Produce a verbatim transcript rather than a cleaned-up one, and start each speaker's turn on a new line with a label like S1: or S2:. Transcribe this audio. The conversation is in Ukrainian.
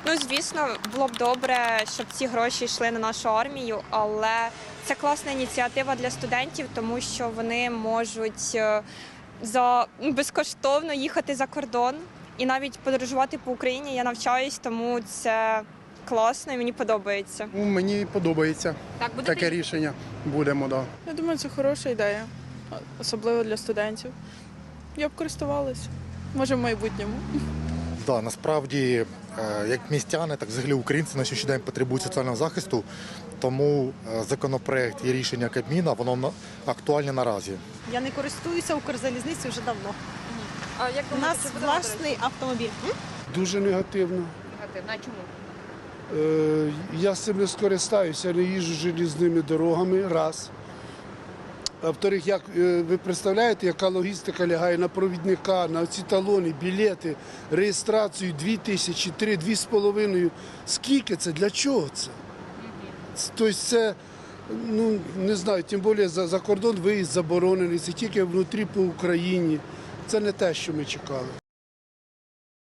S1: Ну, звісно, було б добре, щоб ці гроші йшли на нашу армію, але це класна ініціатива для студентів, тому що вони можуть е, за безкоштовно їхати за кордон і навіть подорожувати по Україні. Я навчаюсь, тому це класно і мені подобається.
S2: Ну, Мені подобається
S1: Так, буде
S2: таке рішення. Будемо, так. Да.
S3: Я думаю, це хороша ідея, особливо для студентів. Я б користувалася, може в майбутньому.
S4: Да, насправді, е, як містяни, так взагалі українці на сьогоднішній день потребують соціального захисту, тому е, законопроект і рішення Кабміна, воно на- актуальне наразі.
S5: Я не користуюся Укрзалізницею вже давно.
S1: А як
S5: У нас власний автомобіль.
S6: Дуже негативно.
S1: негативно? А чому?
S6: Е, Я з цим не скористаюся, не їжджу желізними дорогами, раз. А во-вторых, як е, ви представляєте, яка логістика лягає на провідника, на ці талони, білети, реєстрацію дві тисячі, три, дві з половиною. Скільки це? Для чого це? Тобто це, ну, не знаю, тим більше за, за кордон виїзд заборонений, це тільки внутрі по Україні. Це не те, що ми чекали.